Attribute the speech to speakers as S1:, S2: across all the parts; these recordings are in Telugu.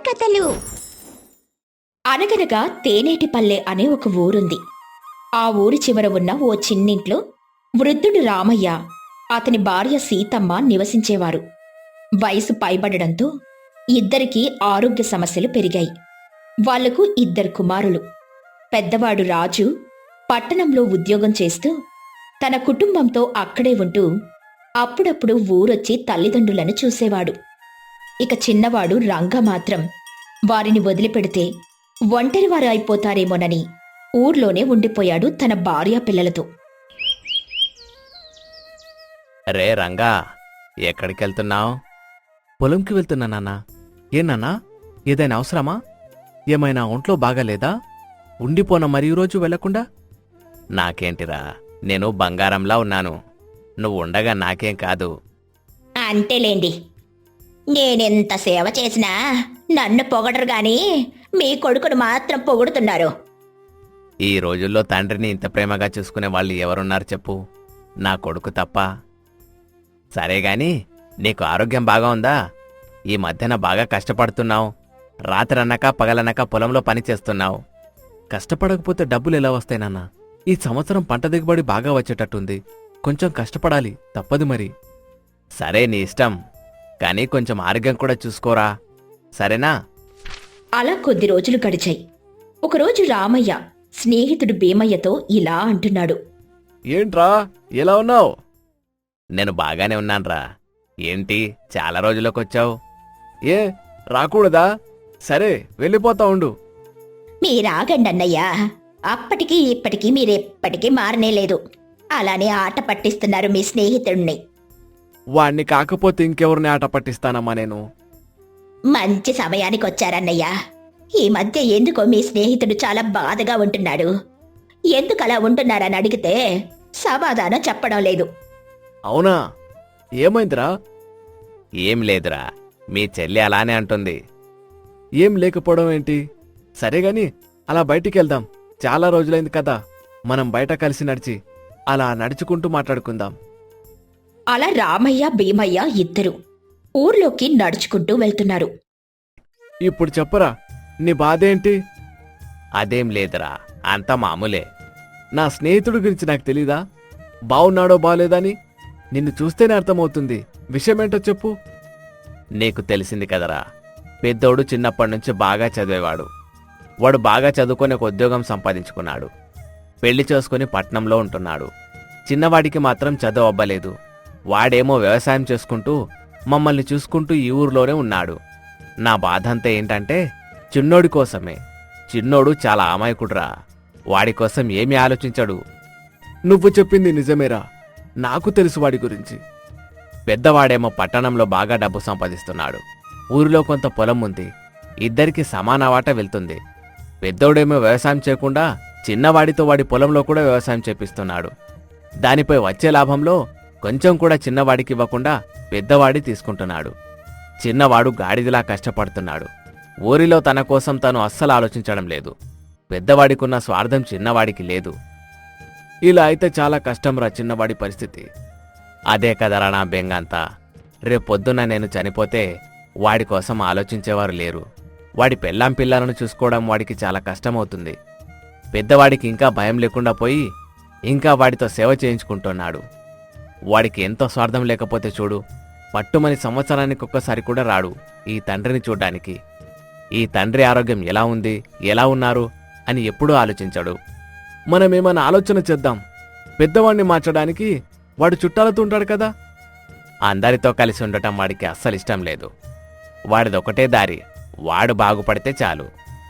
S1: కథలు. అనగనగా తేనేటిపల్లె అనే ఒక ఊరుంది. ఆ ఊరి చివర ఉన్న ఓ చిన్నింట్లో వృద్ధుడు రామయ్య, అతని భార్య సీతమ్మ నివసించేవారు. వయసు పైబడడంతో ఇద్దరికీ ఆరోగ్య సమస్యలు పెరిగాయి. వాళ్లకు 2 కుమారులు. పెద్దవాడు రాజు పట్టణంలో ఉద్యోగం చేస్తూ తన కుటుంబంతో అక్కడే ఉంటూ అప్పుడప్పుడు ఊరొచ్చి తల్లిదండ్రులను చూసేవాడు. ఇక చిన్నవాడు రంగ మాత్రం వారిని వదిలిపెడితే ఒంటరివారు అయిపోతారేమోనని ఊర్లోనే ఉండిపోయాడు తన భార్యా పిల్లలతో.
S2: రే రంగా, ఎక్కడికెళ్తున్నావు?
S3: పొలంకి వెళ్తున్నా నాన్నా. ఏనాన్నా, ఏదైనా అవసరమా? ఏమైనా ఒంట్లో బాగాలేదా? ఉండిపోన మరి రోజు వెళ్లకుండా?
S2: నాకేంటిరా, నేను బంగారంలా ఉన్నాను. నువ్వు ఉండగా నాకేం కాదు.
S1: అంతేలేండి, నేనెంత సేవ చేసినా నన్ను పొగడరు గాని మీ కొడుకును మాత్రం పొగుడుతున్నారు.
S2: ఈ రోజుల్లో తండ్రిని ఇంత ప్రేమగా చూసుకునే వాళ్ళు ఎవరున్నారు చెప్పు? నా కొడుకు తప్ప. సరేగాని, నీకు ఆరోగ్యం బాగా ఉందా? ఈ మధ్యన బాగా కష్టపడుతున్నావు. రాత్రనక పగలనక పొలంలో పని చేస్తున్నావు.
S3: కష్టపడకపోతే డబ్బులు ఎలా వస్తాయి నాన్నా? ఈ సంవత్సరం పంట దిగుబడి బాగా వచ్చేటట్టుంది. కొంచెం కష్టపడాలి, తప్పదు మరి.
S2: సరే, నీ ఇష్టం. కానీ కొంచెం ఆరోగ్యం కూడా చూసుకోరా, సరేనా?
S1: అలా కొద్ది రోజులు గడిచాయి. ఒకరోజు రామయ్య స్నేహితుడు భీమయ్యతో ఇలా అంటున్నాడు.
S3: ఏంట్రా, ఎలా ఉన్నావు?
S2: నేను బాగానే ఉన్నాన్రా. ఏంటి చాలా రోజులకొచ్చావు?
S3: ఏ, రాకూడదా? సరే, వెళ్ళిపోతా ఉండు.
S1: మీరాగండన్నయ్యా, అప్పటికి ఇప్పటికీ మీరెప్పటికీ మారనేలేదు. అలానే ఆట పట్టిస్తున్నారు మీ స్నేహితుడిని.
S3: వాణ్ణి కాకపోతే ఇంకెవరిని ఆట పట్టిస్తానమ్మా నేను.
S1: మంచి సమయానికి వచ్చారన్నయ్యా. ఈ మధ్య ఎందుకో మీ స్నేహితుడు చాలా బాధగా ఉంటున్నాడు. ఎందుకలా ఉంటున్నారని అడిగితే సమాధానం చెప్పడం లేదు.
S3: అవునా, ఏమైందిరా?
S2: ఏం లేదురా, మీ చెల్లి అలానే అంటుంది.
S3: ఏం లేకపోవడం ఏంటి? సరేగాని, అలా బయటికెళ్దాం. చాలా రోజులైంది కదా, మనం బయట కలిసి నడిచి అలా నడుచుకుంటూ మాట్లాడుకుందాం.
S1: అలా రామయ్య భీమయ్య ఇద్దరు ఊర్లోకి నడుచుకుంటూ వెళ్తున్నారు.
S3: ఇప్పుడు చెప్పరా, నీ బాధేంటి?
S2: అదేం లేదురా, అంతా మామూలే.
S3: నా స్నేహితుడి గురించి నాకు తెలీదా? బావున్నాడో బాలేదని నిన్ను చూస్తేనే అర్థమవుతుంది. విషయమేంటో చెప్పు.
S2: నీకు తెలిసింది కదరా, పెద్దోడు చిన్నప్పటినుంచి బాగా చదివేవాడు. వాడు బాగా చదువుకొని ఒక ఉద్యోగం సంపాదించుకున్నాడు. పెళ్లి చేసుకుని పట్నంలో ఉంటున్నాడు. చిన్నవాడికి మాత్రం చదువు అవ్వలేదు. వాడేమో వ్యవసాయం చేసుకుంటూ మమ్మల్ని చూసుకుంటూ ఈ ఊర్లోనే ఉన్నాడు. నా బాధంతా ఏంటంటే చిన్నోడి కోసమే. చిన్నోడు చాలా అమాయకుడురా. వాడి కోసం ఏమీ ఆలోచించడు.
S3: నువ్వు చెప్పింది నిజమేరా, నాకు తెలుసు వాడి గురించి.
S2: పెద్దవాడేమో పట్టణంలో బాగా డబ్బు సంపాదిస్తున్నాడు. ఊరిలో కొంత పొలం ఉంది. ఇద్దరికి సమాన వాటా వెళ్తుంది. పెద్దోడేమో వ్యవసాయం చేయకుండా చిన్నవాడితో వాడి పొలంలో కూడా వ్యవసాయం చేపిస్తున్నాడు. దానిపై వచ్చే లాభంలో కొంచెం కూడా చిన్నవాడికి ఇవ్వకుండా పెద్దవాడి తీసుకుంటున్నాడు. చిన్నవాడు గాడిదిలా కష్టపడుతున్నాడు. ఊరిలో తన కోసం తను అస్సలు ఆలోచించడం లేదు. పెద్దవాడికున్న స్వార్థం చిన్నవాడికి లేదు.
S3: ఇలా అయితే చాలా కష్టంరా చిన్నవాడి పరిస్థితి.
S2: అదే కదరా నా బెంగంతా. రేపొద్దున నేను చనిపోతే వాడి కోసం ఆలోచించేవారు లేరు. వాడి పెళ్ళాం పిల్లలను చూసుకోవడం వాడికి చాలా కష్టమవుతుంది. పెద్దవాడికి ఇంకా భయం లేకుండా పోయి ఇంకా వాడితో సేవ చేయించుకుంటున్నాడు. వాడికి ఎంతో స్వార్థం లేకపోతే చూడు, పట్టుమని సంవత్సరానికి ఒక్కసారి కూడా రాడు ఈ తండ్రిని చూడ్డానికి. ఈ తండ్రి ఆరోగ్యం ఎలా ఉంది, ఎలా ఉన్నారు అని ఎప్పుడూ ఆలోచించడు.
S3: మనమేమన్నా ఆలోచన చేద్దాం. పెద్దవాణ్ణి మార్చడానికి. వాడు చుట్టాలతో ఉంటాడు కదా.
S2: అందరితో కలిసి ఉండటం వాడికి అస్సలిష్టం లేదు. వాడిదొకటే దారి, వాడు బాగుపడితే చాలు.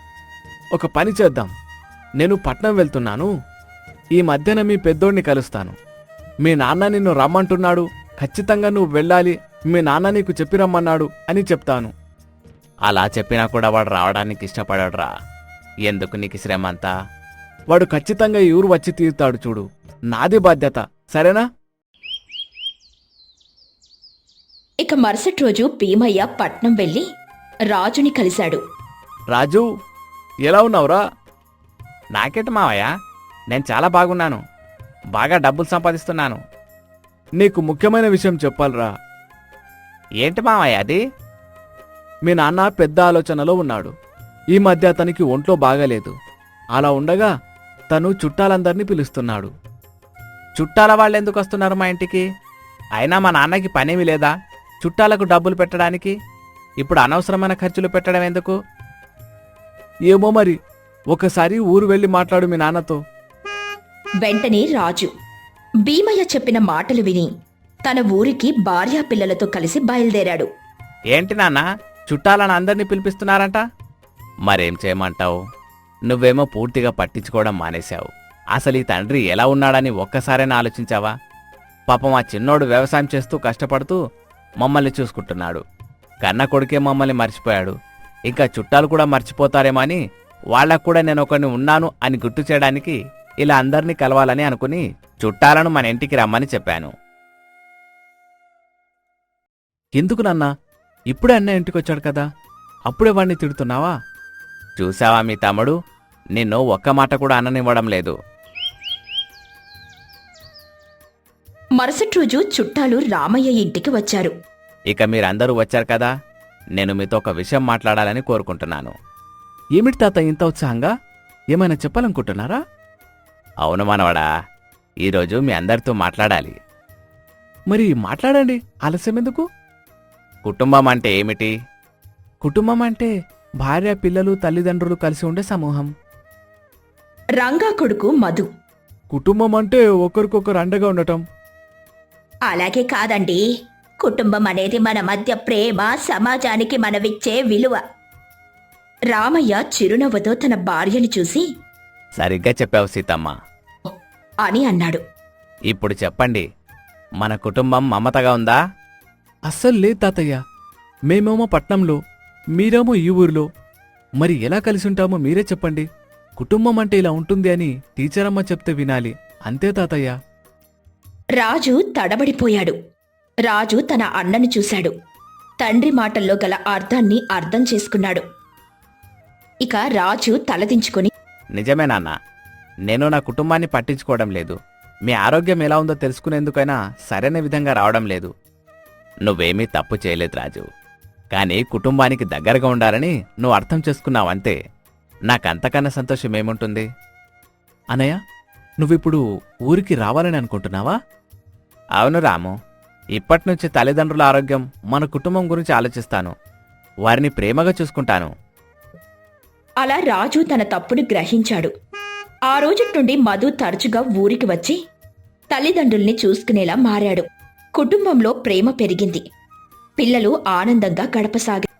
S3: ఒక పని చేద్దాం. నేను పట్నం వెళ్తున్నాను. ఈ మధ్యన మీ పెద్దోడిని కలుస్తాను. మీ నాన్న నిన్ను రమ్మంటున్నాడు, ఖచ్చితంగా నువ్వు వెళ్ళాలి, మీ నాన్న నీకు చెప్పి రమ్మన్నాడు అని చెప్తాను.
S2: అలా చెప్పినా కూడా వాడు రావడానికి ఇష్టపడడురా. ఎందుకు నీకు శ్రమంతా?
S3: వాడు ఖచ్చితంగా ఈ ఊరు వచ్చి తీరుతాడు చూడు. నాది బాధ్యత, సరేనా?
S1: ఇక మరుసటి రోజు భీమయ్య పట్నం వెళ్లి రాజుని కలిశాడు.
S3: రాజు, ఎలా ఉన్నావురా?
S2: నాకేంటి మావయ్య, నేను చాలా బాగున్నాను. బాగా డబ్బులు సంపాదిస్తున్నాను.
S3: నీకు ముఖ్యమైన విషయం చెప్పాలిరా.
S2: ఏంటి మావయ్య అది?
S3: మీ నాన్న పెద్ద ఆలోచనలో ఉన్నాడు. ఈ మధ్య అతనికి ఒంట్లో బాగాలేదు. అలా ఉండగా తను చుట్టాలందర్నీ పిలుస్తున్నాడు.
S2: చుట్టాల వాళ్ళు ఎందుకు వస్తున్నారు మా ఇంటికి? అయినా మా నాన్నకి పనేమి లేదా చుట్టాలకు డబ్బులు పెట్టడానికి? ఇప్పుడు అనవసరమైన ఖర్చులు పెట్టడం ఎందుకు?
S3: ఏమో మరి, ఒకసారి ఊరు వెళ్ళి మాట్లాడు మీ నాన్నతో.
S1: వెంటనే రాజు భీమయ్య చెప్పిన మాటలు విని తన ఊరికి భార్యా పిల్లలతో కలిసి బయలుదేరాడు.
S2: ఏంటి నాన్న, చుట్టాలను అందరినీ పిలిపిస్తున్నారంట? మరేం చేయమంటావు? నువ్వేమో పూర్తిగా పట్టించుకోవడం మానేశావు. అసలు ఈ తండ్రి ఎలా ఉన్నాడని ఒక్కసారైనా ఆలోచించావా? పాపం ఆ చిన్నోడు వ్యవసాయం చేస్తూ కష్టపడుతూ మమ్మల్ని చూసుకుంటున్నాడు. కన్న కొడుకే మమ్మల్ని మర్చిపోయాడు. ఇంకా చుట్టాలు కూడా మర్చిపోతారేమో అని వాళ్ళకు కూడా నేను ఒకరిని ఉన్నాను అని గుర్తు చేయడానికి ఇలా అందరినీ కలవాలని అనుకుని చుట్టాలను మన ఇంటికి రమ్మని చెప్పాను.
S3: ఎందుకు నాన్నా? ఇప్పుడే అన్న ఇంటికొచ్చాడు కదా, అప్పుడే వాణ్ణి తిడుతున్నావా?
S2: చూసావా మీ తమ్ముడు, నిన్ను ఒక్క మాట కూడా అననివ్వడం లేదు.
S1: మరుసటి రోజు చుట్టాలు రామయ్య ఇంటికి వచ్చారు.
S2: ఇక మీరందరూ వచ్చారు కదా, నేను మీతో ఒక విషయం మాట్లాడాలని కోరుకుంటున్నాను.
S3: ఏమిటి తాత ఇంత ఉత్సాహంగా? ఏమైనా చెప్పాలనుకుంటున్నారా?
S2: అవును మనవడా, ఈరోజు మీ అందరితో మాట్లాడాలి.
S3: మరి మాట్లాడండి, ఆలస్యం ఎందుకు?
S2: కుటుంబం అంటే ఏమిటి?
S3: కుటుంబం అంటే భార్య, పిల్లలు, తల్లిదండ్రులు కలిసి ఉండే సమూహం.
S1: రంగా కొడుకు మధు
S3: కుటుంబం అంటే ఒకరికొకరు అండగా ఉండటం.
S1: అలాగే కాదండి, కుటుంబం అనేది మన మధ్య ప్రేమ, సమాజానికి మనమిచ్చే విలువ. రామయ్య చిరునవ్వుతో తన భార్యను చూసి
S2: సరిగ్గా చెప్పావు సీతమ్మ.
S1: అని అన్నాడు.
S2: ఇప్పుడు చెప్పండి, మన కుటుంబం మమతగా ఉందా?
S3: అస్సలు లేదు తాతయ్య. మేమేమో పట్నంలో, మీరేమో ఈ ఊరిలో. మరి ఎలా కలిసి ఉంటామో మీరే చెప్పండి. కుటుంబం అంటే ఇలా ఉంటుంది అని టీచరమ్మ చెప్తే వినాలి, అంతే తాతయ్య.
S1: రాజు తడబడిపోయాడు. రాజు తన అన్నను చూశాడు. తండ్రి మాటల్లో గల అర్థాన్ని అర్థం చేసుకున్నాడు. ఇక రాజు తలదించుకుని,
S2: నిజమే నాన్న, నేను నా కుటుంబాన్ని పట్టించుకోవడం లేదు. మీ ఆరోగ్యం ఎలా ఉందో తెలుసుకునేందుకైనా సరైన విధంగా రావడం లేదు. నువ్వేమీ తప్పు చేయలేదు రాజు, కానీ కుటుంబానికి దగ్గరగా ఉండాలని నువ్వు అర్థం చేసుకున్నావంతే. నాకంతకన్నా సంతోషం ఏముంటుంది?
S3: అనయ్య, నువ్విప్పుడు ఊరికి రావాలని అనుకుంటున్నావా?
S2: అవును రాము, ఇప్పటినుంచి తల్లిదండ్రుల ఆరోగ్యం, మన కుటుంబం గురించి ఆలోచిస్తాను. వారిని ప్రేమగా చూసుకుంటాను.
S1: అలా రాజు తన తప్పును గ్రహించాడు. ఆ రోజుటి నుండి మధు తరచుగా ఊరికి వచ్చి తల్లిదండ్రుల్ని చూసుకునేలా మారాడు. కుటుంబంలో ప్రేమ పెరిగింది. పిల్లలు ఆనందంగా గడపసాగారు.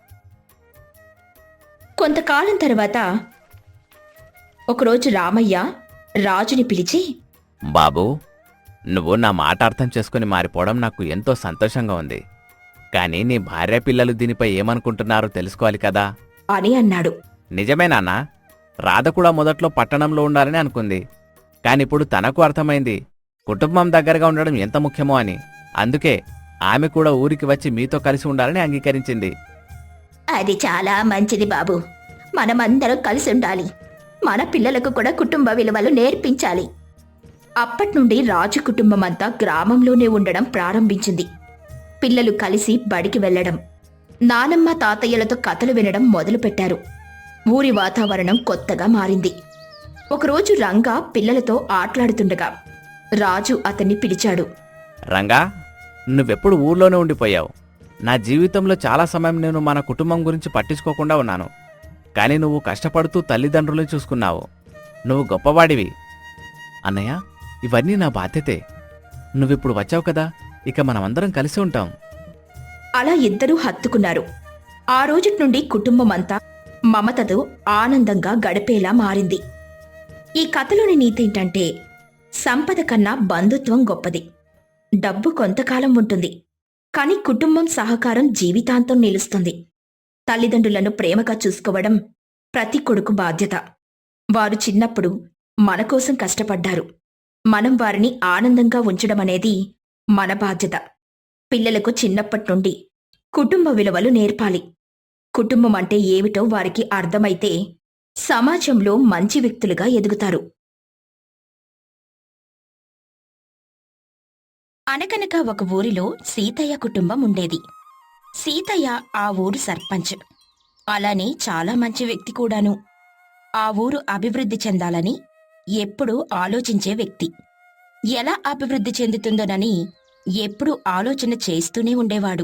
S1: కొంతకాలం తర్వాత ఒకరోజు రామయ్య రాజుని పిలిచి,
S2: బాబూ, నువ్వు నా మాట అర్థం చేసుకుని మారిపోవడం నాకు ఎంతో సంతోషంగా ఉంది. కానీ నీ భార్య, పిల్లలు దీనిపై ఏమనుకుంటున్నారో తెలుసుకోవాలి కదా
S1: అని అన్నాడు.
S2: నిజమే నాన్న, రాధ కూడా మొదట్లో పట్టణంలో ఉండాలని అనుకుంది. కానిప్పుడు తనకు అర్థమైంది కుటుంబం దగ్గరగా ఉండడం ఎంత ముఖ్యమో అని. అందుకే ఆమె కూడా ఊరికి వచ్చి మీతో కలిసి ఉండాలని అంగీకరించింది.
S1: అది చాలా మంచిది బాబు. మనమందరం కలిసి ఉండాలి. మన పిల్లలకు కూడా కుటుంబ విలువలు నేర్పించాలి. అప్పట్నుండి రాజు కుటుంబమంతా గ్రామంలోనే ఉండడం ప్రారంభించింది. పిల్లలు కలిసి బడికి వెళ్లడం, నానమ్మ తాతయ్యలతో కథలు వినడం మొదలుపెట్టారు. ఊరి వాతావరణం కొత్తగా మారింది. ఒకరోజు రంగా పిల్లలతో ఆట్లాడుతుండగా రాజు అతన్ని పిలిచాడు.
S2: రంగా, నువ్వెప్పుడు ఊర్లోనే ఉండిపోయావు. నా జీవితంలో చాలా సమయం నేను మన కుటుంబం గురించి పట్టించుకోకుండా ఉన్నాను. కానీ నువ్వు కష్టపడుతూ తల్లిదండ్రులను చూసుకున్నావు. నువ్వు గొప్పవాడివి.
S3: అన్నయ్య, ఇవన్నీ నా బాధ్యతే. నువ్విప్పుడు వచ్చావు కదా, ఇక మనమందరం కలిసి ఉంటాం.
S1: అలా ఇద్దరూ హత్తుకున్నారు. ఆ రోజుటి నుండి కుటుంబమంతా మమతతో ఆనందంగా గడిపేలా మారింది. ఈ కథలోని నీతేంటంటే, సంపద కన్నా బంధుత్వం గొప్పది. డబ్బు కొంతకాలం ఉంటుంది, కాని కుటుంబం సహకారం జీవితాంతం నిలుస్తుంది. తల్లిదండ్రులను ప్రేమగా చూసుకోవడం ప్రతి కొడుకు బాధ్యత. వారు చిన్నప్పుడు మన కోసం కష్టపడ్డారు. మనం వారిని ఆనందంగా ఉంచడమనేది మన బాధ్యత. పిల్లలకు చిన్నప్పటి నుండి కుటుంబ విలువలు నేర్పాలి. కుటుంబం అంటే ఏమిటో వారికి అర్థమైతే సమాజంలో మంచి వ్యక్తులుగా ఎదుగుతారు. అనగనగా ఒక ఊరిలో సీతయ్య కుటుంబం ఉండేది. సీతయ్య ఆ ఊరు సర్పంచ్. అలానే చాలా మంచి వ్యక్తి కూడాను. ఆ ఊరు అభివృద్ధి చెందాలని ఎప్పుడూ ఆలోచించే వ్యక్తి. ఎలా అభివృద్ధి చెందుతుందోనని ఎప్పుడూ ఆలోచన చేస్తూనే ఉండేవాడు.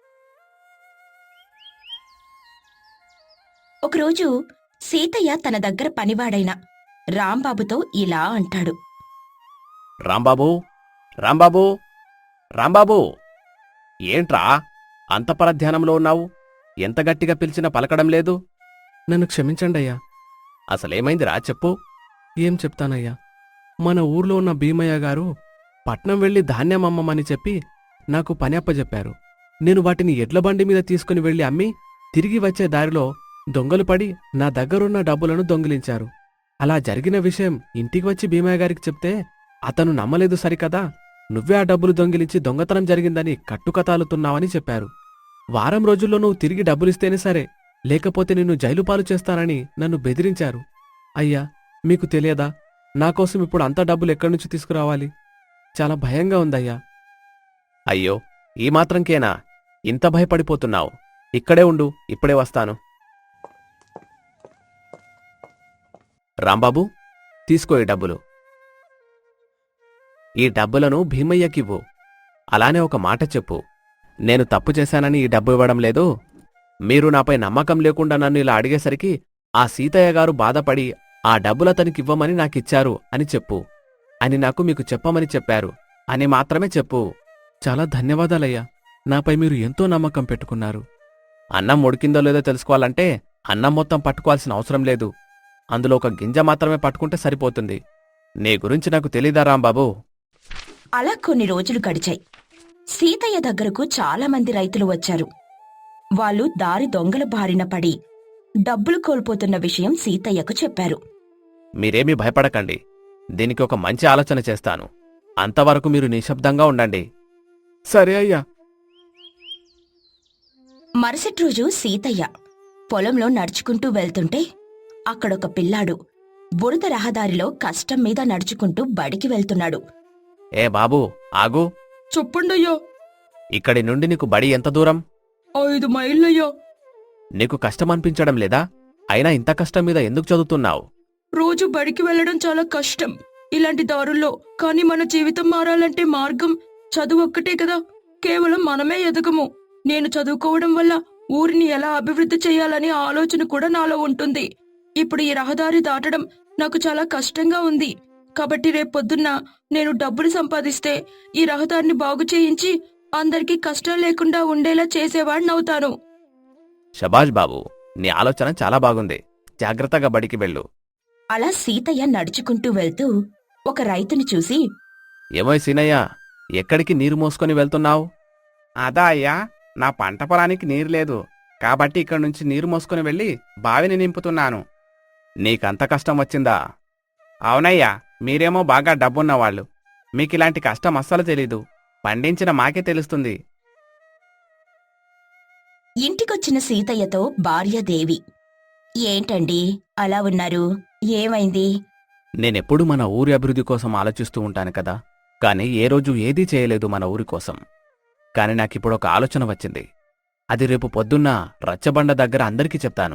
S1: ఒకరోజు సీతయ్య తన దగ్గర పనివాడైన రాంబాబుతో ఇలా అంటాడు.
S2: రాంబాబూ రాంబాబూ రాంబాబూ ఏంట్రా అంత పరధ్యానంలో ఉన్నావు? ఎంత గట్టిగా పిలిచినా పలకడం లేదు.
S3: నన్ను క్షమించండయ్యా.
S2: అసలేమైందిరా చెప్పు.
S3: ఏం చెప్తానయ్యా, మన ఊర్లో ఉన్న భీమయ్య గారు పట్నం వెళ్లి ధాన్యం అమ్మమని చెప్పి నాకు పని అప్పజెప్పారు. నేను వాటిని ఎడ్ల బండి మీద తీసుకుని వెళ్లి అమ్మి తిరిగి వచ్చే దారిలో దొంగలు పడి నా దగ్గరున్న డబ్బులను దొంగిలించారు. అలా జరిగిన విషయం ఇంటికి వచ్చి భీమయ్య గారికి చెప్తే అతను నమ్మలేదు సరికదా. నువ్వే ఆ డబ్బులు దొంగిలించి దొంగతనం జరిగిందని కట్టుకతాలుతున్నావని చెప్పారు. వారం రోజుల్లో నువ్వు తిరిగి డబ్బులిస్తేనే సరే, లేకపోతే నిన్ను జైలు పాలు చేస్తానని నన్ను బెదిరించారు. అయ్యా, మీకు తెలియదా, నాకోసం ఇప్పుడు అంత డబ్బులు ఎక్కడి నుంచి తీసుకురావాలి? చాలా భయంగా ఉందయ్యా.
S2: అయ్యో, ఈ మాత్రంకేనా ఇంత భయపడిపోతున్నావు? ఇక్కడే ఉండు, ఇప్పుడే వస్తాను. రాంబాబు, తీసుకో ఈ డబ్బులు. ఈ డబ్బులను భీమయ్యకివ్వు. అలానే ఒక మాట చెప్పు, నేను తప్పు చేశానని ఈ డబ్బు ఇవ్వడం లేదు. మీరు నాపై నమ్మకం లేకుండా నన్ను ఇలా అడిగేసరికి ఆ సీతయ్య గారు బాధపడి ఆ డబ్బులతనికివ్వమని నాకిచ్చారు అని చెప్పు. అని నాకు మీకు చెప్పమని చెప్పారు అని మాత్రమే చెప్పు.
S3: చాలా ధన్యవాదాలయ్యా. నాపై మీరు ఎంతో నమ్మకం పెట్టుకున్నారు.
S2: అన్నం ఉడికిందో లేదో తెలుసుకోవాలంటే అన్నం మొత్తం పట్టుకోవాల్సిన అవసరం లేదు. అందులో ఒక గింజ మాత్రమే పట్టుకుంటే సరిపోతుంది. నీ గురించి నాకు తెలీదా రాంబాబు?
S1: అలా కొన్ని రోజులు గడిచాయి. సీతయ్య దగ్గరకు చాలామంది రైతులు వచ్చారు. వాళ్ళు దారి దొంగల బారిన పడి డబ్బులు కోల్పోతున్న విషయం సీతయ్యకు చెప్పారు.
S2: మీరేమీ భయపడకండి, దీనికి ఒక మంచి ఆలోచన చేస్తాను. అంతవరకు మీరు నిశ్శబ్దంగా ఉండండి.
S3: సరే అయ్యా.
S1: మరుసటి రోజు సీతయ్య పొలంలో నడుచుకుంటూ వెళ్తుంటే అక్కడొక పిల్లాడు బురద రహదారిలో కష్టం మీద నడుచుకుంటూ బడికి వెళ్తున్నాడు.
S2: ఏ బాబూ, ఆగు.
S4: చెప్పండయ్యా.
S2: ఇక్కడి నుండి నీకు బడి ఎంత దూరం?
S4: 5 మైళ్ళయ్యా.
S2: నీకు కష్టమనిపించడం లేదా? అయినా ఇంత కష్టం మీద ఎందుకు చదువుతున్నావు?
S4: రోజు బడికి వెళ్లడం చాలా కష్టం ఇలాంటి దారుల్లో. కానీ మన జీవితం మారాలంటే మార్గం చదువు ఒక్కటే కదా. కేవలం మనమే ఎదగము. నేను చదువుకోవడం వల్ల ఊరిని ఎలా అభివృద్ధి చేయాలనే ఆలోచన కూడా నాలో ఉంటుంది. ఇప్పుడు ఈ రహదారి దాటడం నాకు చాలా కష్టంగా ఉంది. కాబట్టి రేపొద్దున్న నేను డబ్బులు సంపాదిస్తే ఈ రహదారిని బాగు చేయించి అందరికీ కష్టం లేకుండా ఉండేలా చేసేవాడినవుతాను.
S2: శబాష్ బాబు, నీ ఆలోచన చాలా బాగుంది. జాగ్రత్తగా బడికి వెళ్ళు.
S1: అలా సీతయ్య నడుచుకుంటూ వెళ్తూ ఒక రైతుని చూసి,
S2: ఏమోయ్ సీనయ్య, ఎక్కడికి నీరు మోసుకొని వెళ్తున్నావు? అదా అయ్యా, నా పంట పొలానికి నీరు లేదు కాబట్టి ఇక్కడి నుంచి నీరు మోసుకొని వెళ్ళి బావిని నింపుతున్నాను. నీకంత కష్టం వచ్చిందా? అవునయ్యా, మీరేమో బాగా డబ్బున్నవాళ్ళు. మీకిలాంటి కష్టం అస్సలు తెలీదు. పండించిన మాకే తెలుస్తుంది.
S1: ఇంటికొచ్చిన సీతయ్యతో భార్య దేవి, ఏంటండి అలా ఉన్నారు? ఏమైంది?
S2: నేనెప్పుడు మన ఊరి అభివృద్ధి కోసం ఆలోచిస్తూ ఉంటాను కదా, కానీ ఏ రోజు ఏదీ చేయలేదు మన ఊరి కోసం. కాని నాకిప్పుడొక ఆలోచన వచ్చింది. అది రేపు పొద్దున్న రచ్చబండ దగ్గర అందరికీ చెప్తాను.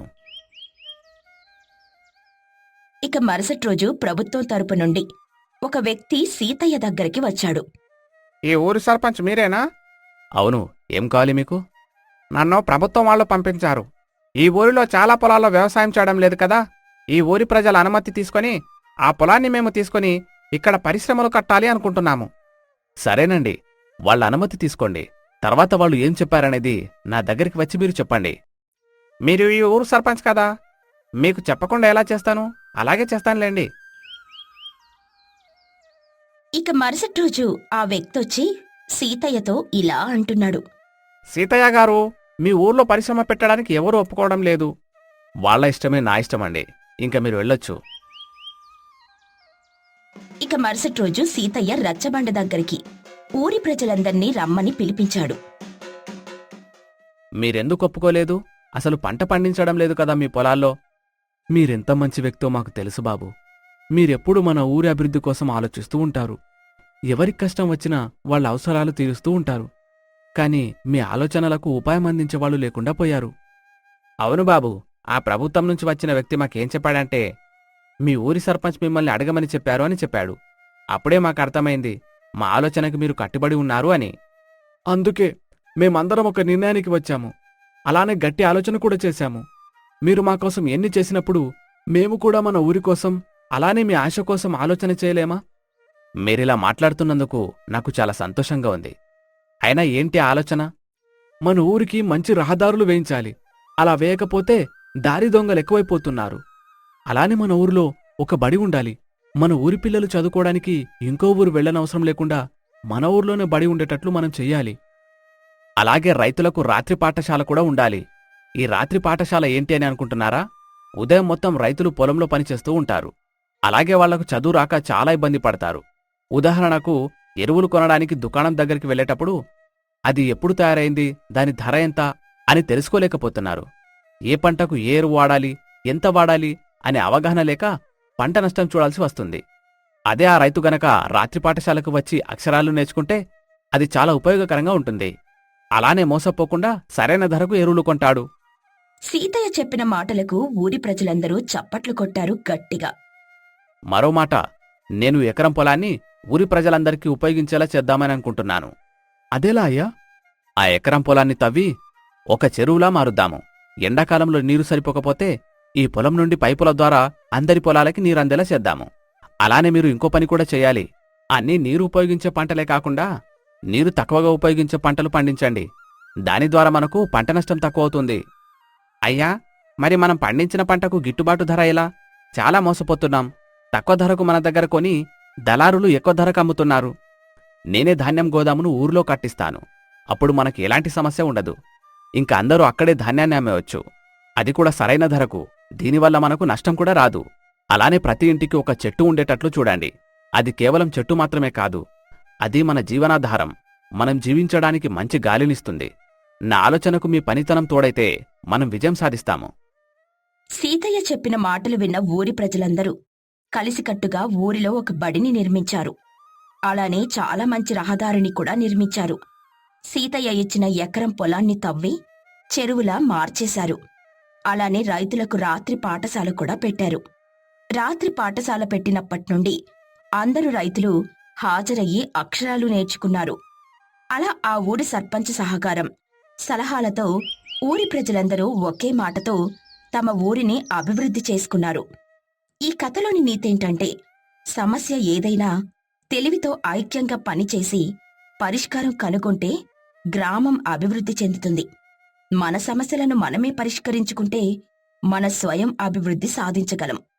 S1: ఇక మరుసటి రోజు ప్రభుత్వం తరపు నుండి ఒక వ్యక్తి సీతయ్య దగ్గరికి వచ్చాడు.
S2: ఈ ఊరి సర్పంచ్ మీరేనా? అవును, ఏం కావాలి మీకు? నన్ను ప్రభుత్వం వాళ్ళు పంపించారు. ఈ ఊరిలో చాలా పొలాల్లో వ్యవసాయం చేయడం లేదు కదా. ఈ ఊరి ప్రజల అనుమతి తీసుకొని ఆ పొలాన్ని మేము తీసుకొని ఇక్కడ పరిశ్రమలు కట్టాలి అనుకుంటున్నాము. సరేనండి, వాళ్ళ అనుమతి తీసుకోండి. తర్వాత వాళ్ళు ఏం చెప్పారనేది నా దగ్గరికి వచ్చి మీరు చెప్పండి. మీరు ఈ ఊరు సర్పంచ్ కదా, మీకు చెప్పకుండా ఎలా చేస్తాను? అలాగే చేస్తానులేండి.
S1: ఇక మరుసటి రోజు ఆ వ్యక్తొచ్చి సీతయ్యతో ఇలా అంటున్నాడు.
S2: సీతయ్య గారు, మీ ఊర్లో పరిశ్రమ పెట్టడానికి ఎవరూ ఒప్పుకోవడం లేదు. వాళ్ళ ఇష్టమే నా ఇష్టమండి. ఇంక మీరు వెళ్ళొచ్చు.
S1: ఇక మరుసటి రోజు సీతయ్య రచ్చబండ దగ్గరికి ఊరి ప్రజలందర్నీ రమ్మని పిలిపించాడు.
S2: మీరెందుకు ఒప్పుకోలేదు? అసలు పంట పండించడం లేదు కదా మీ పొలాల్లో.
S3: మీరెంత మంచి వ్యక్తో మాకు తెలుసు బాబు. మీరెప్పుడు మన ఊరి అభివృద్ధి కోసం ఆలోచిస్తూ ఉంటారు. ఎవరికి కష్టం వచ్చినా వాళ్ళ అవసరాలు తీరుస్తూ ఉంటారు. కానీ మీ ఆలోచనలకు ఉపాయం అందించేవాళ్ళు లేకుండా పోయారు.
S2: అవును బాబు, ఆ ప్రభుత్వం నుంచి వచ్చిన వ్యక్తి మాకేం చెప్పాడంటే మీ ఊరి సర్పంచ్ మిమ్మల్ని అడగమని చెప్పారు అని చెప్పాడు. అప్పుడే మాకు అర్థమైంది మా ఆలోచనకు మీరు కట్టుబడి ఉన్నారు అని.
S3: అందుకే మేమందరం ఒక నిర్ణయానికి వచ్చాము. అలానే గట్టి ఆలోచన కూడా చేశాము. మీరు మా కోసం ఎన్ని చేసినప్పుడు మేము కూడా మన ఊరి కోసం అలానే మీ ఆశ కోసం ఆలోచన చేయలేమా?
S2: మీరిలా మాట్లాడుతున్నందుకు నాకు చాలా సంతోషంగా ఉంది. అయినా ఏంటి ఆలోచన?
S3: మన ఊరికి మంచి రహదారులు వేయించాలి. అలా వేయకపోతే దారి దొంగలు ఎక్కువైపోతున్నారు. అలానే మన ఊరిలో ఒక బడి ఉండాలి. మన ఊరి పిల్లలు చదువుకోవడానికి ఇంకో ఊరు వెళ్ళనవసరం లేకుండా మన ఊర్లోనే బడి ఉండేటట్లు మనం చెయ్యాలి.
S2: అలాగే రైతులకు రాత్రి పాఠశాల కూడా ఉండాలి. ఈ రాత్రి పాఠశాల ఏంటి అని అనుకుంటున్నారా? ఉదయం మొత్తం రైతులు పొలంలో పనిచేస్తూ ఉంటారు. అలాగే వాళ్లకు చదువు రాక చాలా ఇబ్బంది పడతారు. ఉదాహరణకు ఎరువులు కొనడానికి దుకాణం దగ్గరికి వెళ్ళేటప్పుడు అది ఎప్పుడు తయారైంది, దాని ధర ఎంత అని తెలుసుకోలేకపోతున్నారు. ఏ పంటకు ఏ ఎరువు వాడాలి, ఎంత వాడాలి అనే అవగాహన లేక పంట నష్టం చూడాల్సి వస్తుంది. అదే ఆ రైతు గనక రాత్రి పాఠశాలకు వచ్చి అక్షరాలు నేర్చుకుంటే అది చాలా ఉపయోగకరంగా ఉంటుంది. అలానే మోసపోకుండా సరైన ధరకు ఎరువులు కొంటాడు.
S1: సీతయ్య చెప్పిన మాటలకు ఊరి ప్రజలందరూ చప్పట్లు కొట్టారు గట్టిగా.
S2: మరో మాట, నేను ఎకరం పొలాన్ని ఊరి ప్రజలందరికీ ఉపయోగించేలా చేద్దామని అనుకుంటున్నాను.
S3: అదేలా అయ్యా?
S2: ఆ ఎకరం పొలాన్ని తవ్వి ఒక చెరువులా మారుద్దాము. ఎండాకాలంలో నీరు సరిపోకపోతే ఈ పొలం నుండి పైపుల ద్వారా అందరి పొలాలకి నీరందేలా చేద్దాము. అలానే మీరు ఇంకో పని కూడా చేయాలి. అన్నీ నీరు ఉపయోగించే పంటలే కాకుండా నీరు తక్కువగా ఉపయోగించే పంటలు పండించండి. దాని ద్వారా మనకు పంట నష్టం తక్కువ అవుతుంది. అయ్యా, మరి మనం పండించిన పంటకు గిట్టుబాటు ధర ఎలా? చాలా మోసపోతున్నాం. తక్కువ ధరకు మన దగ్గర కొని దళారులు ఎక్కువ ధరకు అమ్ముతున్నారు. నేనే ధాన్యం గోదామును ఊరిలో కట్టిస్తాను. అప్పుడు మనకి ఎలాంటి సమస్య ఉండదు. ఇంక అందరూ అక్కడే ధాన్యాన్ని అమ్మేవచ్చు, అది కూడా సరైన ధరకు. దీనివల్ల మనకు నష్టం కూడా రాదు. అలానే ప్రతి ఇంటికి ఒక చెట్టు ఉండేటట్లు చూడండి. అది కేవలం చెట్టు మాత్రమే కాదు, అది మన జీవనాధారం. మనం జీవించడానికి మంచి గాలినిస్తుంది. నా ఆలోచనకు మీ పనితనం తోడైతే మనం విజయం సాధిస్తాము.
S1: సీతయ్య చెప్పిన మాటలు విన్న ఊరి ప్రజలందరూ కలిసికట్టుగా ఊరిలో ఒక బడిని నిర్మించారు. అలానే చాలా మంచి రహదారిని కూడా నిర్మించారు. సీతయ్య ఇచ్చిన ఎకరం పొలాన్ని తవ్వి చెరువులా మార్చేశారు. అలానే రైతులకు రాత్రి పాఠశాల కూడా పెట్టారు. రాత్రి పాఠశాల పెట్టినప్పట్నుండి అందరూ రైతులు హాజరయ్యి అక్షరాలు నేర్చుకున్నారు. అలా ఆ ఊరి సర్పంచ్ సహకారం, సలహాలతో ఊరి ప్రజలందరూ ఒకే మాటతో తమ ఊరిని అభివృద్ధి చేసుకున్నారు. ఈ కథలోని నీతేంటంటే, సమస్య ఏదైనా తెలివితో ఐక్యంగా పనిచేసి పరిష్కారం కనుగొంటే గ్రామం అభివృద్ధి చెందుతుంది. మన సమస్యలను మనమే పరిష్కరించుకుంటే మన స్వయం అభివృద్ధి సాధించగలం.